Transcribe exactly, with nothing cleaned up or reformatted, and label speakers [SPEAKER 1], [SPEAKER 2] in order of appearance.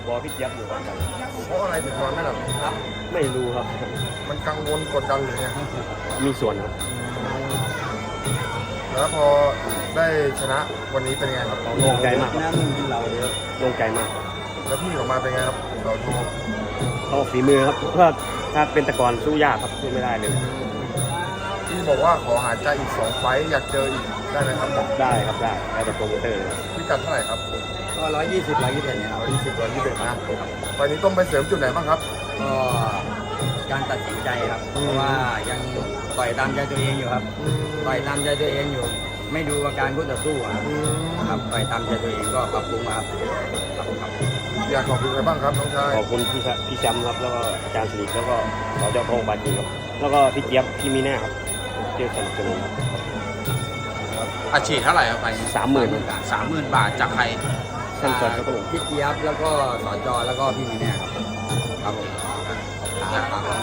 [SPEAKER 1] บอพี่เจี๊ยบอยู่ครับ
[SPEAKER 2] เพราะอะไรถึงนอนไม่หลับครับ
[SPEAKER 1] ไม่รู้ครับ
[SPEAKER 2] มันกังวลกดดันหรือไง
[SPEAKER 1] มีส่วนครับ
[SPEAKER 2] แล้วพอได้ชนะวันนี้เป็นไงครับ
[SPEAKER 1] โล่งใจมากครับ
[SPEAKER 3] น้ำมึงกินเราเยอะ
[SPEAKER 1] โล่งใจมาก
[SPEAKER 2] แล้วพี่ออกมาเป็นไงครับเราดู
[SPEAKER 1] เขาฝีมือครับเพราะถ้าเป็นตะกอนสู้ยากครับสู้ไม่ได้เลย
[SPEAKER 2] พี่บอกว่าขอหาใจอีกสองไฟต์อยากเจออีกได้ไหมครับ
[SPEAKER 1] ได้ครับได้แล้วแต่โปรโมเตอร์เลยครับ
[SPEAKER 2] พี่กัดเท่าไหร่ครับ
[SPEAKER 3] ก็ร้อยยี่สิบร้อยยี่สิบเอ็ดเนี่ยครับ
[SPEAKER 2] ร้อยยี่สิบร้อยยี่สิบเอ็ดนะไฟล์นี้ต้องไปเสริมจุดไหนบ้างครับ
[SPEAKER 3] ก็การตัดสินใจครับ เพราะว่ายังต่อยตามใจตัวเองอยู่ครับต่อยตามใจตัวเองอยู่ ไม่ดูอาการคู่ต่อสู้อะครับ
[SPEAKER 2] อืม
[SPEAKER 3] ครับต่อยตามใจตัวเองก็ปรับปรุงมาครับครับครับ
[SPEAKER 2] อยากขอบคุณใครบ้างครับน้องชาย
[SPEAKER 1] ขอบคุณพี่ชะพี่แชมป์ครับแล้วก็อาจารย์สิริแล้วก็สจพงษ์บาจีครับแล้วก็พี่เจี๊ยบพี่มีแน่ครับเจอสนับสนุนครับ
[SPEAKER 4] อาชีพเท่าไหร่ครับไป
[SPEAKER 1] สามหมื่น
[SPEAKER 4] สามหมื่นบาทจากใคร
[SPEAKER 1] ท่านสจครับผม
[SPEAKER 3] พี่เจี๊ยบแล้วก็สจแล้วก็พี่มีเนี่ยครับครับผมครับ